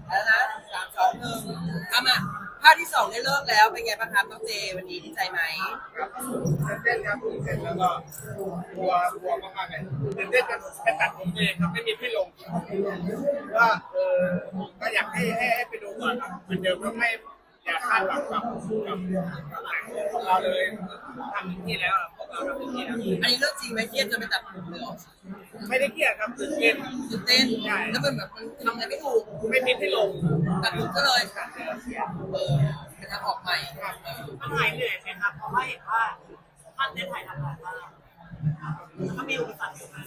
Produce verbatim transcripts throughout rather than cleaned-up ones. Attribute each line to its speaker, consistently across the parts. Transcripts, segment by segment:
Speaker 1: แล้วนะสามสองหนึ่งทำอ่ะภาคที่สองได้เลิกแล้วเป็นไงบ้างครับน้องเจวันนี้ดีใจไหม
Speaker 2: ครับตื่นเต้นครับตื่นเต้นแล้วก็กลัวกลัวมากๆเลยตื่นเต้นจนจะตัดผมตัวเองครับไม่มีที่ลงก็เออก็อยากให้ให้ให้ไปดูก่อนครับเหมือนเดิมก็ไม่อย่าคาดหวังกับกับกับหนังของเราเลยทำที่แล้วพวกเราทำที่แล้ว
Speaker 1: อันนี้เรื่องจริงไหมเครียดจนไปตัดผมเลยเหรอ
Speaker 2: ไม่ได้เครียดครับตื่นเต้น
Speaker 1: ตื่นเต้นแล้วมันแบบมันทำอะไรไม่ถูก
Speaker 2: ไม่มีที่ลง
Speaker 1: ตัดผมก็เลยเออเป็นทางออกใหม่
Speaker 3: มันหายเหนื่อยไหมครับเพราะว่าเห็นว่าท่านได้ถ่ายทำหลายภาคก็มีอุปสรรคอยู่นะ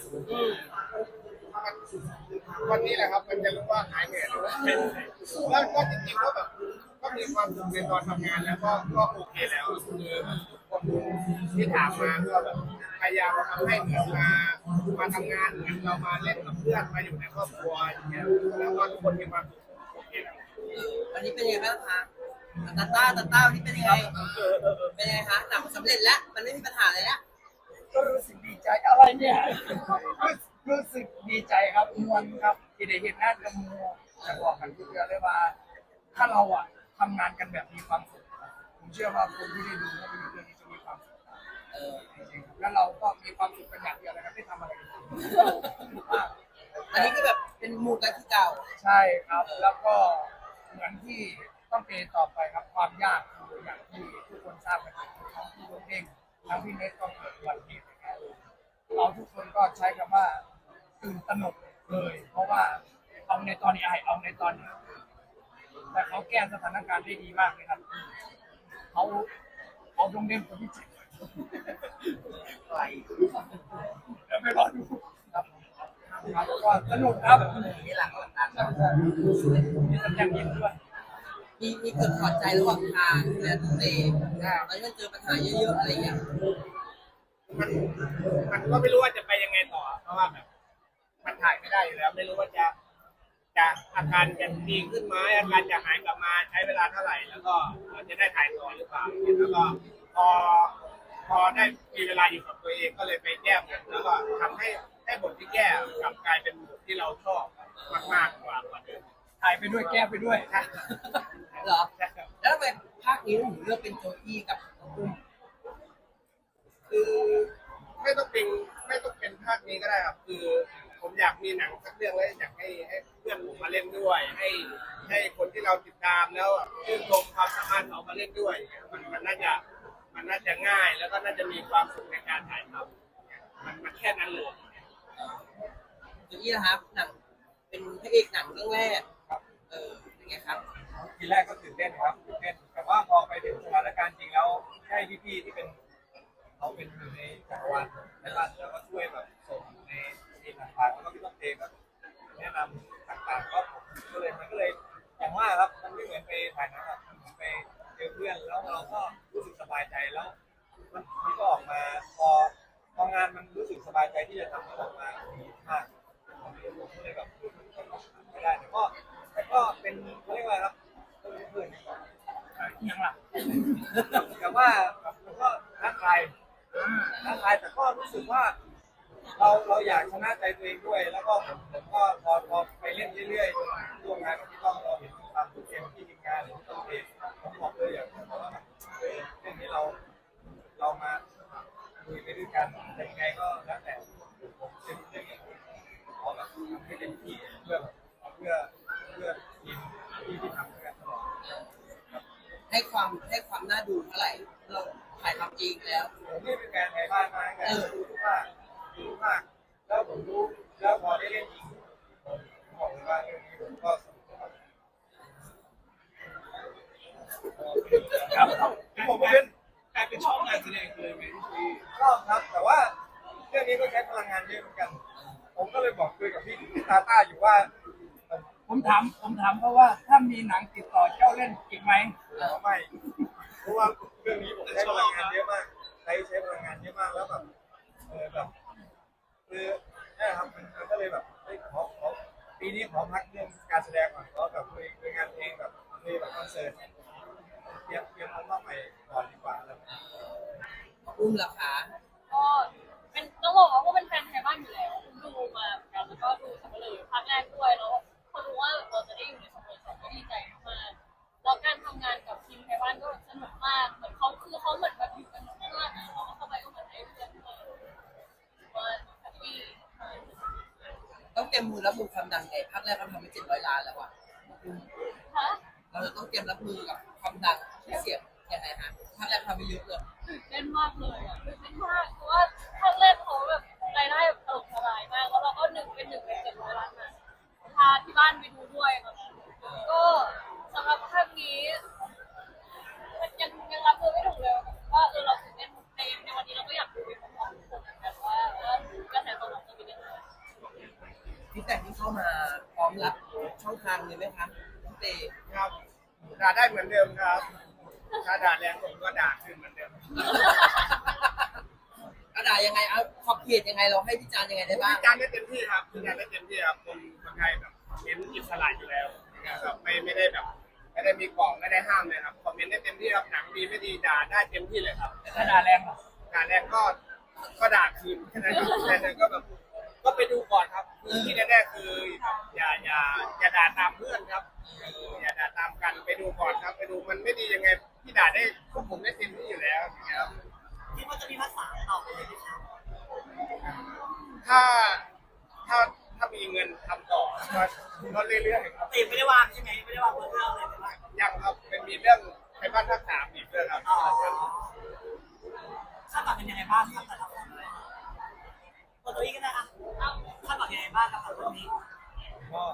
Speaker 2: วันนี้แหละครับมันจะรู้ว่าหายเหนื่อยหรือว่าเป็นแล้วก็จริงๆก็แบบก็มีความสุขในตอนทำงานแล้วก็ก็โอเคแล้วคือคนที่ถามมาก็แบบพยายามทำให้เหมือนมามาทำงานเหมือนเรามาเล่นกับเพื่อนมาอยู่ในครอบครัวอย่างเงี้ยแล้วก็ทุกคนมีความสุขโอเคแล้ว
Speaker 1: วันนี้เป็นยังไงบ้างคะตาต้าตาต้าวันนี้เป็นยังไงเป็นยังไงคะหนังสำเร็จแล้วมันไม่มีปัญหาเลยแล้ว
Speaker 4: ก็รู้สึกดีใจอะไรเนี่ยรู้สึกดีใจครับมวลครับที่ได้เห็นหน้ากับมูจะบอกกันทุกเรื่องเลยว่าถ้าเราอะทำงานกันแบบมีความสุขผมเชื่อว่าคนที่ได้ดูภาพยนตร์เรื่องนี้จะมีความสุขเออจริงๆแล้วเราก็มีความสุขกันอย่างเดียวเลยครับไม่ทำอะไรกัน
Speaker 1: อันนี้ก็แบบเป็นมูกันที่เก่า
Speaker 4: ใช่ครับแล้วก็เหมือนที่ต้องเปต่อไปครับความยากอย่างที่ทุกคนทราบกันทั้งพี่เองทั้งพี่เน็ตก็เกิดอุบัติเหตุเราทุกคนก็ใช้คำว่าตื่นตระหนกเลยเพราะว่าเอาในตอนนี้ไอเอาในตอนนี้แต่เขาแก้สถานการณ์ได้ดีมากเลยครับเขาเอาตรงเด่นคนที่เจ็บไปแล้วไปรอดูครับครับก็สนุกครับ
Speaker 1: นี่หลังหลัง
Speaker 4: มีสัญญาณยิ้มด้วย
Speaker 1: มีมีเกิดถอดใจระหว่างทางเนี่ยเตะตอนนี้มันเจอปัญหาเยอะๆอะไรอย่างเงี้ย
Speaker 2: มันมันก็ไม่รู้ว่าจะไปยังไงต่อเพราะว่าแบบมันถ่ายไม่ได้อยู่แล้วไม่รู้ว่าจะจะอาการจะดีขึ้นไหมอาการจะหายกลับมาใช้เวลาเท่าไหร่แล้วก็จะได้ถ่ายต่อหรือเปล่าแล้วก็พอพอได้มีเวลาอยู่กับตัวเองก็เลยไปแก้บทแล้วก็ทำให้ให้บทที่แก้กลับกลายเป็นบทที่เราชอบมากๆกว่ากว่าเดิม
Speaker 4: ถ่ายไปด้วยแก้ไปด้วย
Speaker 1: เหรอแล้วทำไมภาคนี้ถึงเลือกเป็นโจอี้กับอุ้ม
Speaker 2: คือไม่ต้องเป็นไม่ต้องเป็นภาคนี้ก็ได้ครับคือผมอยากมีหนังสักเรื่องแล้วอยากให้ให้เพื่อนผมมาเล่นด้วยให้ให้คนที่เราติดตามแล้วชื่นชมความสามารถเขามาเล่นด้วยมันมันน่าจะมันน่าจะง่ายแล้วก็น่าจะมีความสุขในการถ่ายทำมันมันแค่นั้นเลย
Speaker 1: โจอี้นะครับหนังเป็นพระเอกหนังเรื่องแรกเออเป็นไงครับ
Speaker 4: ทีแรกก็ตื่นเต้นครับตื่นเต้นแต่ว่าพอไปถึงสถานการณ์จริงแล้วให้พี่ๆที่เป็นเขาเป็นอยู่ในจักรวาลในบ้านแล้วก็ช่วยแบบส่งในที่ต่างๆแล้วก็พี่ต้องเทก็แนะนำต่างๆก็ก็เลยมันก็เลยอย่างว่าครับมันไม่เหมือนไปถ่ายหนังมันไปเจอเพื่อนแล้วเราก็รู้สึกสบายใจแล้วมันมันก็ออกมาพอพองานมันรู้สึกสบายใจที่จะทำมันออกมาดีมากเลยแบบไม่ได้แต่ก็แต่ก็เป็นเขาเรียกว่าครับเพื่อนยังล่ะแต่ว่ามันก็ท้าทายท้าทายแต่ก็รู้สึกว่าเราเราอยากชนะใจตัวเองด้วยแล้วก็ผมก็พอพอไปเล่นเรื่อยๆร่วมงานกับพี่ต้องเราเห็นความทุ่มเทที่ทีมงานหรือต้องเทผมบอกเลยอย่างว่าเรื่องนี้เราเรามาคุยไปด้วยกันแต่ยังไงก็แล้วแต่ผมเป็นเรื่องขอแบบให้เต็มที่เพื่อเพื่อเพื่อทีมที่ที่ทำด้วยกันตลอด
Speaker 1: ให้ความให้ความน่าดูเท่าไหร่เราถ่ายทำเองแล้ว
Speaker 4: ผมนี่เป็นการถ่ายบ้านมากันรู้ว่ารู้มากแล้วผมรู้แล้วพอได้เล่นจริงผมบอกเลยว่าเรื่องนี้ผมก็สนุกครับผมเป็นกลายเป็นช่องงานแสดงเลยไหมพี่ชอบครับแต่ว่าเรื่องนี้ก็ใช้พลังงานเยอะเหมือนกันผมก็เลยบอกคุยกับพี่ตาต้าอยู่ว่าผมถามผมถามเพราะว่าถ้ามีหนังติดต่อเจ้าเล่นอีกไหมไม่เพราะว่าเรื่องนี้ผมใช้พลังงานเยอะมากใช้ใช้พลังงานเยอะมากแล้วแบบเออแบบคือนี่ครับมันก็เลยแบบขอขอปีนี้ขอพักเรื่องการแสดงก่อนขอแบบคุยคุยงานเพลงแบบคุยแบบคอนเสิร์ตเตรียมเตรียมอัลบั้มใหม่ก่อนดีกว่าแล้ว
Speaker 1: อุ้มราคา
Speaker 3: ก็เป็นต้องบอกว่าเป็นแฟนไทยบ้านอยู่แล้วดูมาเหมือนกันแล้วก็ดูสักเลยภาคแรกด้วยแล้วพอรู้ว่าเราจะได้อยู่ในสมุทรสาค
Speaker 1: รับมือความดังไงภาคแรกเราทำไปเจ็ดร้อยล้านแล้วอะ
Speaker 5: ฮะ
Speaker 1: เราจะต้องเตรียมรับมือกับความดังที่เสียงยังไงฮะภาคแรกทำไปเยอะเลย
Speaker 5: ตื่นเต้นมากเลยอ่ะตื่นเต้นมากเพราะว่าภาคแรกเขาแบบรายได้แบบถล่มทลายมากแล้วเราก็หนึ่งเป็นหนึ่งในเจ็ดร้อยล้านนะพาที่บ้านไปดูด้วยตอนนั้นก็สำหรับภาคนี้มันยังยังรับมือไม่ถูกเลยว่าเออเราตื่นเต้นในในวันนี้เราก็อยากดูไปพร้อมๆทุกคนเหมือนกันว่าว่ากระแสตอบรับจะเป็นยังไง
Speaker 1: ที่แต่ที่เข้ามาพร้อมรับช่องทางเลยไหมคะพี่เต
Speaker 2: ครับด่าได้เหมือนเดิมครับถ้าด่าแรงผมก็ด่าขึ้นเหมือนเดิม
Speaker 1: กระดาษยังไงเอาขอบเขตยังไงเราให้พิจารณ์ยังไงได้บ้าง
Speaker 2: วิจารณ์ได้เต็มที่ครับวิจารณ์ได้เต็มที่ครับคนคนไทยแบบเน้นอิสระอยู่แล้วนะครับไม่ไม่ได้แบบไม่ได้มีกล่องไม่ได้ห้ามเลยครับคอมเมนต์ได้เต็มที่ครับหนังดีไม่ดีด่าได้เต็มที่เลยครับ
Speaker 3: ถ้าด่าแรงเหรอ
Speaker 2: ด่าแรงก็ก็ด่าคืนแค่นั้นแค่นั้นก็แบบก็ไปดูก่อนครับคือที่แน่ๆคืออย่าอย่าอย่าด่าตามเพื่อนครับอย่าด่าตามกันไปดูก่อนครับ ไปดูมันไม่ดียังไงพี่ด่าได้พวกผมได้เต็มที่อยู่แล้วอย่างเงี้ยครับ
Speaker 3: คิดว่าจะมีภาษาต่อไปเลยไหมครับ
Speaker 2: ถ้าถ้าถ้ามีเงินทำต่อก็ก็เรื่อยๆครับ
Speaker 3: แต่ยังไม่ได้วางใช่ไหมไม่ได้วางเรื่องเลยใช่ไหม
Speaker 2: ยังครับเป็นมีเรื่องใครบ้านทักถามอีกเรื่องครับ
Speaker 3: อ๋อคาดหวังเป็นยังไงบ้างครับแต่ละคนตัวตัวนี้ก็ได้อะคาดหวังยังไงบ้างครับตัวนี้
Speaker 4: ก็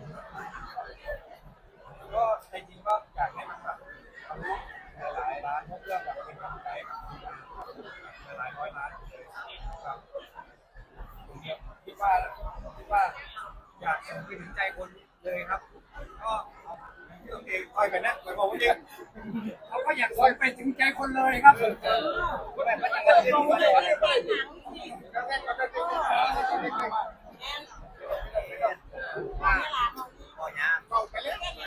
Speaker 4: ก็ในจริงก็อยากให้มันแบบหลายๆร้านพวกเรื่องแบบเป็นกำลังใจหลายๆร้อยล้านเลยครับผมคิดว่าคิดว่าอยากส่งไปถึงใจคนเลยครับก็ที่ตัวเองคอยไปนะหมายความว่าจริงเขาก็อยากคอยไปถึงใจคนเลยครับก็แบบมันยังไงที่ว่าเลยก็แค่ก็แค่ที่ก็ยาก
Speaker 2: เอาไปเลย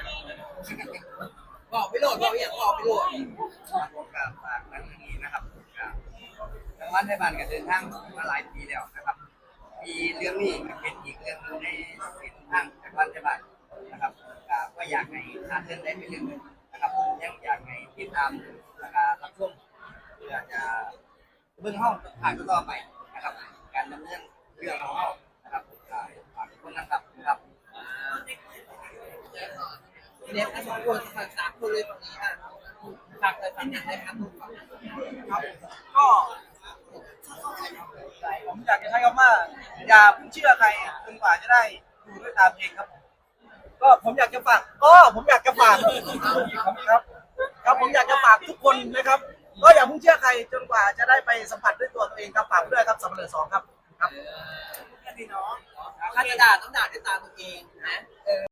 Speaker 1: บอกไปโหลดบอกอย่างบอกไปโหลด
Speaker 6: ผมกับฝากนักนี้นะครับทางวัดไทยบ้านก็เดินทางมาหลายปีแล้วนะครับปีเรื่องนี้ก็เป็นอีกเรื่องหนึงในเส้นทางทางวัดไทยบ้านนะครับก็อยากให้อาเดินได้เป็นเรื่องหนึงนะครับผมยังอยากให้ติดตามแล้วก็รับชมเพื่อจะเบื้องห้องผ่านต่อไปนะครับการดำเนินเรื่องของเรานะครับฝากทุกคนนะครับครับ
Speaker 1: เน็ตทั้งสองคนฝากสามคนเลยฝั่งนี้อ่ะฝากเลยฝั่งไหนเลยครับผมฝั่ง
Speaker 6: ครับก็ผมอยากจะใช้คำว่าอย่าเพิ่งเชื่อใครจนกว่าจะได้ดูด้วยตาเองครับผมก็ผมอยากจะฝากก็ผมอยากจะฝากครับครับผมอยากจะฝากทุกคนนะครับก็อย่าเพิ่งเชื่อใครจนกว่าจะได้ไปสัมผัสด้วยตัวตัวเองครับฝากด้วยครับสัมผัสสองครับครับ
Speaker 3: แค่นี้เนาะ
Speaker 1: ถ้าจะด่าต้องด่าด้วยตาตัวเองนะ